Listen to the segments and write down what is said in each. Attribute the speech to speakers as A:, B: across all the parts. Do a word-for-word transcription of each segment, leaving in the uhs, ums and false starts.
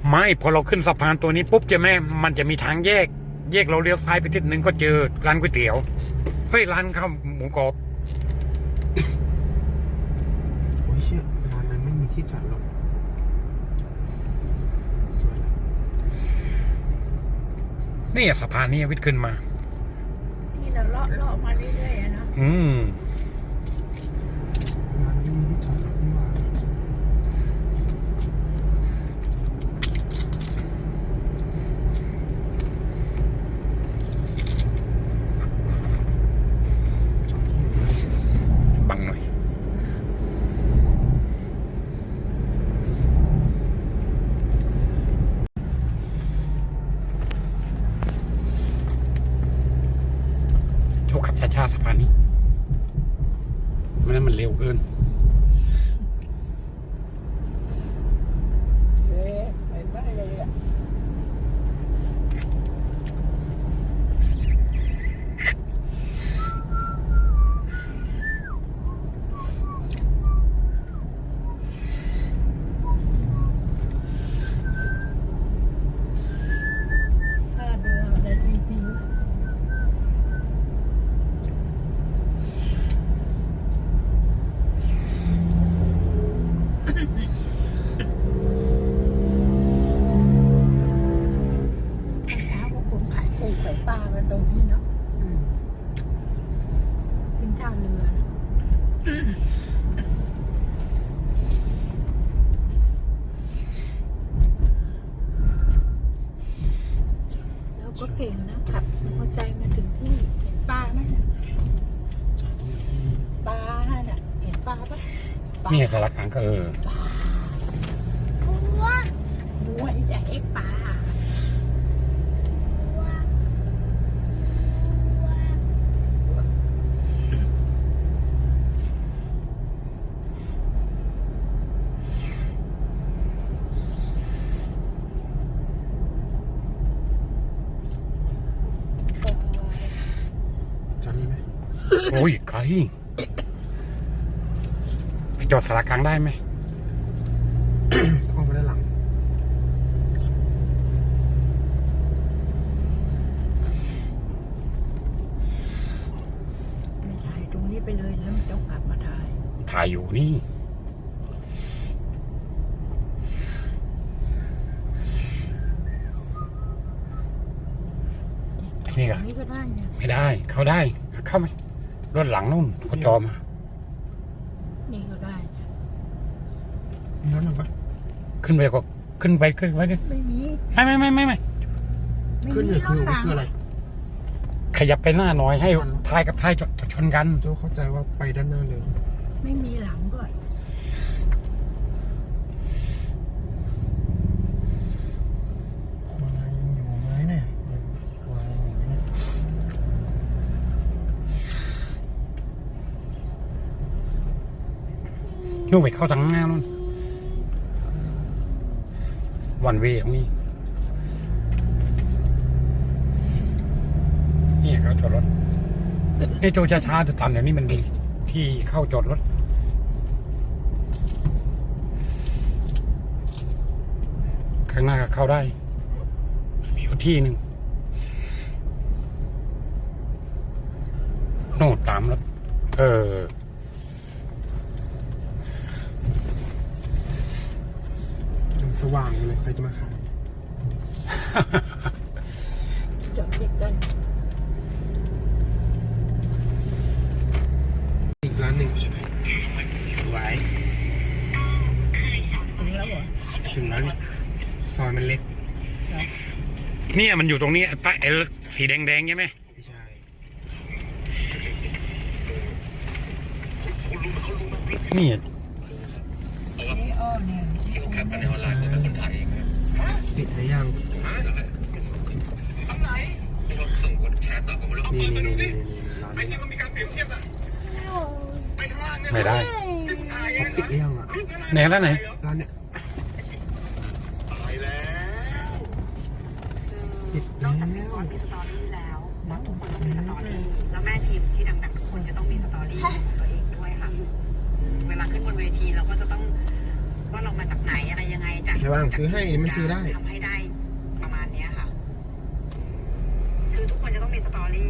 A: ไม่พอเราขึ้นสะพานตัวนี้ปุ๊บจะแม่มันจะมีทางแยกแยกเราเลี้ยวซ้ายไปทิศหนึ่งก็เจอร้านก๋วยเตี๋ยวเฮ้ยร้านข้าวหมูกรอบ
B: โอ้ยเชี่ยร้านนั้นไม่มีที่จอดรถสวยนะ
A: นี่สะพานนี้วิทย์ขึ้นมา
C: ที่เราเลาะเลาะมาเรื่อยๆนะ
A: อืม
B: ร้านไม่มีที่จอดรถนี่หว่า
A: บังหน่อยโชคขับช้าๆสะพานนี้ไม่นั้นมันเร็วเกิน
C: เอ๊ะไปได้เลยอ่ะถ้าเรืออะไรดีๆขายปลากันตรงนี้เนาะเป็นท่าเรือนะแล้วก็เก่งนะขับมอเตอร์ไซค์มาถึงที่เห็นปลาไหมปลาน่ะเห็นปลาปะ
A: นี่สารกลางก็เออ
C: ปลาบัวบัวใหญ่ปลา
A: โอ้ยไกลไปจอดสารกลางได้ไหม
B: ออกมาด้านหลัง
C: ไม่ใช่ตรงนี้ไปเลยแล้วไม่ต้องกลับมาถ่าย
A: ถ่ายอยู่นี่นี่ก็
C: นี่ก็ได้เนี่ย
A: ไม่ได้เข้าได้เข้าไหมรถหลังนู่นเขาจอมา
C: นี่ก็ได้
B: มีรถหนึ่งปะ
A: ขึ้นไปก็ขึ้นไปขึ้นไป
C: ไม่มี
A: ไม่ไม่ไม่ไม่ไม่
B: ขึ้นเนี่ยคือคืออะไร
A: ขยับไปหน้าหน่อยให้ท้ายกับท้ายจดชนกัน
B: โจเข้าใจว่าไปด้านหน้าเลย
C: ไม่มีหลังด้วย
B: ควายยังอยู่ไหมเนี่ยควายอยู่ไหมเนี่ย
A: นู่นไปเข้าทางหน้านู่นวันเวตรงนี้นี่เขาจอดรถนี่โจช้าๆจะตามเดี๋ยวนี้มันมีที่เข้าจอดรถข้างหน้าก็เข้าได้มีอยู่ที่หนึ่งโน่ตามรถเออ
B: สว่างเลยใครจะมาขาย
C: จอดติดกัน
B: อีกร้านหนึ่งไหว
C: ถึงแล้วเหรอ
B: ถึงแล้วเนี่ยซอยมันเล็ก
A: เนี่ยมันอยู่ตรงนี้ป้ายเอลสีแดงๆใช่ไหม
B: ไม่ใช่
A: นี่
C: ที่เขาแคปกันในออนไลน์เป็นคนถ่ายเอง
B: ปิดหรือยัง
C: ทางไหนที่เขาส่งกดแชร์ต่อกันมาลูก
B: นี่นี่นี่นี่ร้าน
C: ไอ้ที่เขามีการเปรียบเทียบอะไปข้างล่างเนี่ย
A: ไม่ได้
B: ปิดหรือยังอ่ะ
A: ไหนร้านไหน
B: ร้านเนี้ย
C: ไปแล้ว
B: ปิด
D: นอกจากเป็นบอสมีสตอรี่แล้วบอสทุกคนต้องมีสตอรี่แล้วแม่ทีมที่ดังๆทุกคนจะต้องมีสตอรี่ของตัวเองด้วยค่ะเวลาขึ้นบนเวทีเราก็จะต้องว่าเรามาจากไหนอะไรยังไงจาก
B: เดี๋ยววันหลังซื้อให้อันนี้มันซื้อได้
D: ทำให้ได้ประมาณเนี้ยค่ะ คือทุกคนจะต้องมีสตอรี่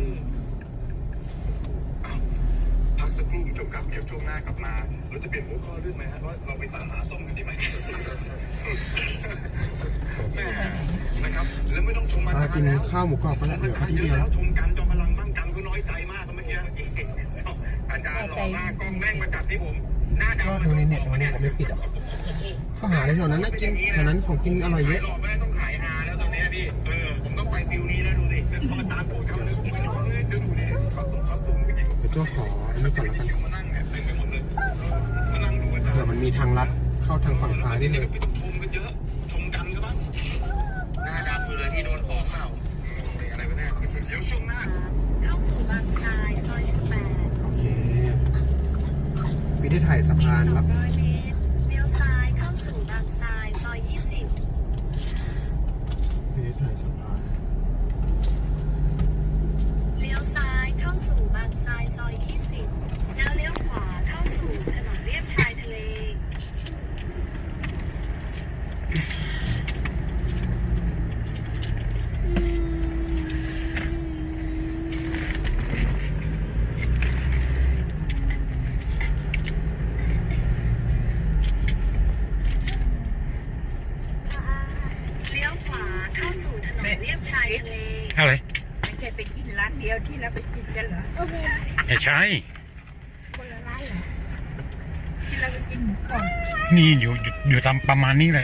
E: พักสักครู่คุณผู้ชมครับเดี๋ยวช่วงหน้ากลับมาเราจะเปลี่ยนหัวข้อเรื่องไหมฮะว่าเราไปตามหาส้มกันดีไหม แม่นะครับแล้วไม่ต้องชมอาจาร
B: พา
E: ย์
B: กิน
E: แล้ว
B: ข้าวหมูกรอบก็
E: ช
B: แล้ว
E: ม
B: เหลื
E: อา
B: อ
E: จารย์
B: ที่
E: เย
B: เดียว
E: อะแล้วชมกันจอมพลังบ้างกันเขาน้อยใจมากเมื่อกี้อาจารย์หล่อมากกล้องแม่งมาจัดที่ผมหน้าดำ
B: ก็ดูในเน็ตวันนี้ผมไม่ปิดอ่ะก็หาในแถวนั้นนะกินแถวนั้นของกินอร่อยเยอะ
E: หล่อไม่ได้ต้องขายฮาแล้วตอนนี้พี่เออผมต้องไปฟิวนี้แล้วดูดิพออาจารย์พูดคำนึงไม่นอนเลยเดี๋ยวดูดิเขาตุ้มเขาตุ้มจริง
B: เดี๋ยวโจ้ขออันนี้ก่อนแล้วกัน
E: คิวมานั่งเนี่ยเต็มไปหมดเลยมานั่งดูอาจาร
B: เผื่อ
E: ย์
B: มันมีทางลัดเข้าทางฝั่งซ้ายได้เลย
E: ไม่ต้องชมกันเยอะชมกันก็บ้างหน้าดำอยู่เลยที่โดนของเปล่าอะไรวะเนี่ยเดี๋ยวช่วงหน้า
D: เข้าสู่บางทรายซอยสิบแปด
B: โอเควิธีถ่ายสะ
D: อีก
B: พาน
D: สอง
B: รับ
D: ร้อยเมตรเลี้ยวซ้ายเข้าสู่บางทรายซอยยี่สิบ
B: วิธีถ่ายสะพาน
D: เลี้ยวซ้ายเข้าสู่บางทรายซอยยี่สิบแล้วเลี้ยวขวาเข้าสู่ถนนเลียบชายทะเล เลี้ยวขวาเข้าสู่ถนนเลียบชายทะเล
A: อะไร
C: ไม่ใช่ไปกินร้านเดียวที่เราไปกินกันเหรอ
A: ไม่ใช่
C: คนละร้านเหรอที่เราไปกินหมูกรอบ
A: นี่อยู่อยู่อยู่ตามประมาณนี้เลย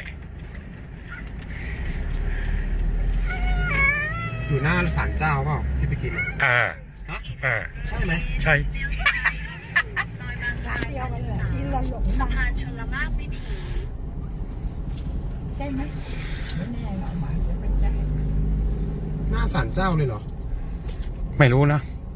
B: อยู่หน้าศาลเจ้าเปล่าที่ไปกินอ่ะ
A: เออ
B: ฮะ
A: เออ
B: ใช่ไหม
A: ใช่
D: เลี้ยวซ้ายเข้าสู่ซอยบางทรายแปดสิบสามสะพานชลมากวิถี
C: ใช่ไหมไม่แน่เรามาจะไม่ใช่
B: หน้าศาลเจ้าเลยเหรอ
A: ไม่รู้นะ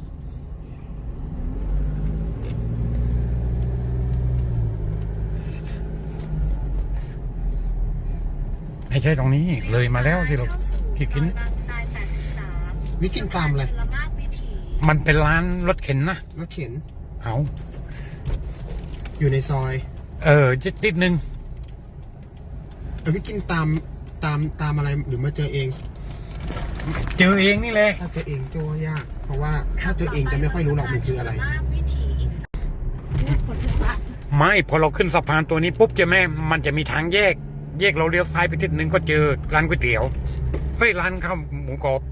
A: ไม่ใช่ตรงนี้เลยมาแล้วที่เราที่กิน
D: ซอยบางทรายแปดสิบสาม
B: วิกินตามอะไร
D: ชลมากวิถี
A: มันเป็นร้านรถเข็นนะ
B: รถเข็น
A: เอา
B: อยู่ในซอย
A: เออจิตนิดนึง
B: เออวิกินตามตามตามอะไรหรือมาเจอเอง
A: เจอเองนี่แหละ
B: ถ้าเจอเองโจ้ยาก เพราะว่าถ้าเจอเองจะไม่ค่อยรู้หรอกมันคืออะไร
D: ชลมากวิถีอีก
C: เนี่ยคนที่พระ
A: ไม่พอเราขึ้นสะพานตัวนี้ปุ๊บจะแม่มันจะมีทางแยก แยกเราเลี้ยวซ้ายไปทิศหนึ่งก็เจอร้านก๋วยเตี๋ยวเฮ้ยร้านข้าวหมูกรอบ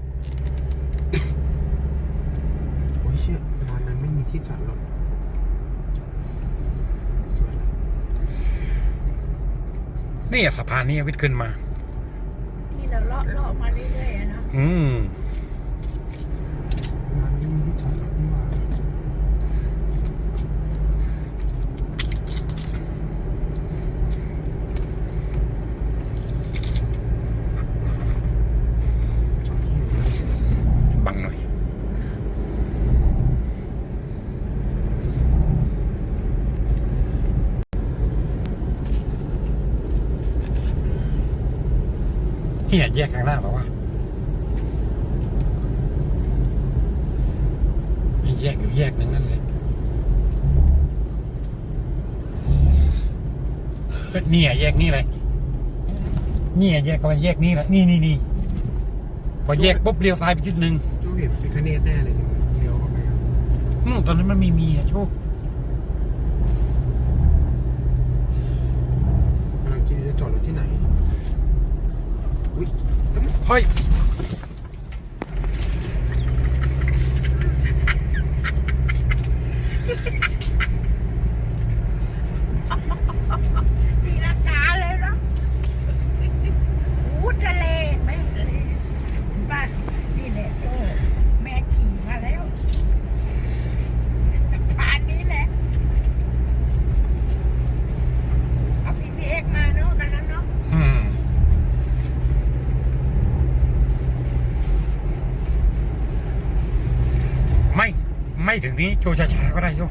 B: โอ้ยเชี่ยร้านนั้นไม่มีที่จอดรถสวยนะ
A: นี่สะพานนี้วิทย์ขึ้นมา
C: ที่เราเลาะเลาะมาเรื่อยๆอะเนาะ
A: อืม
B: ร้านนี้มีที่จอดรถนี่หว่า
A: บังหน่อยเนี่ยแยกข้างหน้าเปล่าวะมีแยกอยู่แยกหนึ่งนั่นเลยเออเนี่ยแยกนี่แหละเนี่ยแยกเข้าไปแยกนี่แหละนี่นี่นี่พอแยกปุ๊บเลี้ยวซ้ายไปทิศหนึ่ง
B: โจ้เห็นพิคเนตแน่เลยเนี่ยเลี้ยวเข้าไปอะ
A: อืมตอนนั้นมันมีมีอะโชค
B: กำลังคิดจะจอดรถที่ไหน อุ้ย
A: เฮ้ย
C: ตีลังกาเลยเนาะอู้ทะเลแม่ทะเลบ้านนี่แหละโจ้แม่ขี่มาแล้วผ่านนี้แหละเอาพีซีเอ็กมาเนาะกันนั้นเนาะ
A: อืมไม่ไม่ถึงนี้โจช้าๆก็ได้โย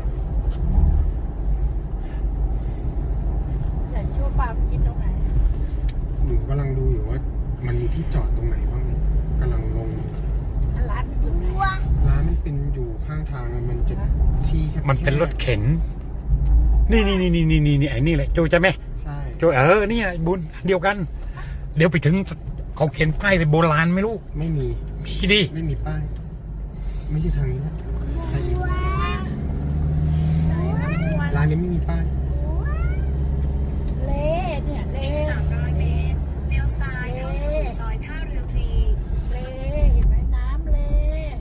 C: แต่โจ้ปาไปกินตรงไหน
B: หนูกำลังดูอยู่ว่า มันมีที่จอดตรงไหนบ้างกำลังงง
C: ร้านมันอยู่ไหน
B: ร้านมันเป็นอยู่ข้างทางอะมันจะที่แคบๆ
A: มันเป็นรถเข็น นี่นี่นี่นี่นี่นี่ไอ้นี่แหละโจจะไหม
B: ใช่
A: โจเออเนี่ยบุญอันเดียวกัน เดี๋ยวไปถึงเขาเขียนป้ายเป็นโบราณไม่รู้
B: ไม่มี
A: มีดิ
B: ไม่มีป้าย ไม่ใช่ทางนี้นะทางนี้ร้านนี้ไม่มีป้าย
C: เละเนี่ยเละ
D: อีกสามร้อยเมตรเลี้ยวซ้ายเข้าสู่ซอยท่าเรือพลี
C: เละเห็นไหมน้ำเละ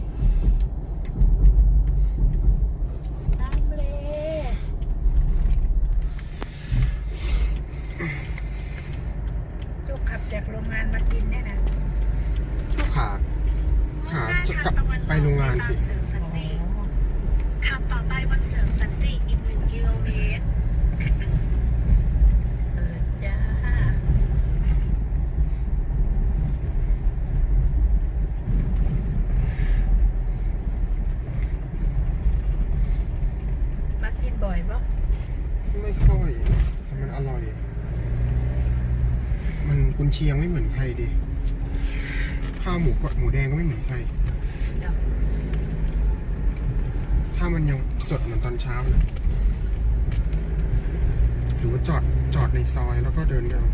C: น้ำเละจุกขับจากโรงงานมากินเนี่ยนะ
B: ก็ขาขาจะกลับไปโรงงานสิ
D: เสริมสันติขับต่อไปบนเสริมสันติอีกหนึ่งกิโลเมตร
C: เออจ้ามากินบ่อยปะ
B: ไม่ค่อยแต่มันอร่อย มันกุนเชียงไม่เหมือนใครดิ ข้าวหมูกดหมูแดงก็ไม่เหมือนใคร ถ้ามันยังสดเหมือนตอนเช้านะหรือว่าจอดจอดในซอยแล้วก็เดินกัน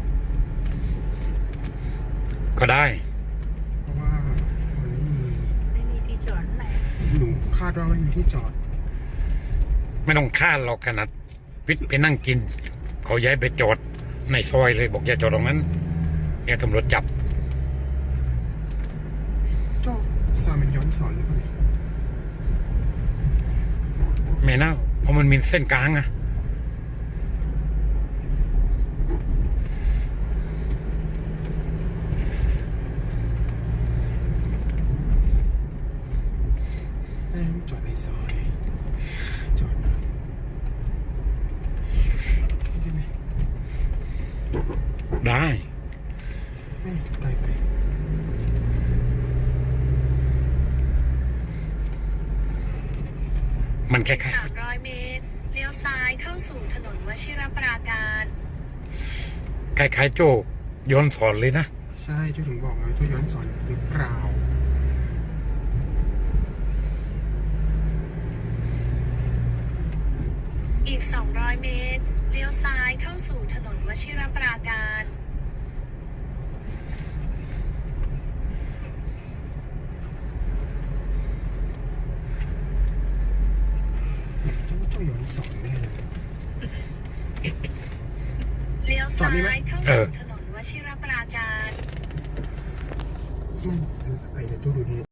A: ก็ได้
B: เพราะว่ามันไม่มี
C: ไม่มีที่จอดไหน
B: หนูคาดว่าไม่มีที่จอด
A: ไม่ต้องคาดหรอกขนาดวิทย์ไปนั่งกิน เขาย้ายไปจอดในซอยเลยบอกอย่าจอดตรงนั้นเนี่ยตำรวจจับ
B: โจ้ซอยมันย้อนสอนหรือเปล่าเนี่ย
A: ไม่น่าเพราะมันมีเส้นกลางอะ
B: แม่งจอดในซอย จอดได้ไหม
A: ได้
B: ไม่ไกลไป
A: มันแค่
D: สามร้อยเมตรเลี้ยวซ้ายเข้าสู่ถนนวชิรปราการ
A: คล้ายๆโจ้ย้อนสอนเลยนะ
B: ใช่เจ้าถึงบอกไงว่าย้อนสอนหรือเปล่า
D: อีกสองร้อยเมตรเลี้ยวซ้ายเข้าสู่ถนนวชิรปราการ
B: เจ้าว่าเจ้าย้อนสอนแน่เลย
D: เลี้ยว
B: จอ
D: ซ้า
B: ดนี่ไหม
D: ยเข้า
A: เอ
D: สู่
A: อ
D: ถนนวชิรปราการ
B: ไม่ไอ้เนี่ยเจ้าดูนี่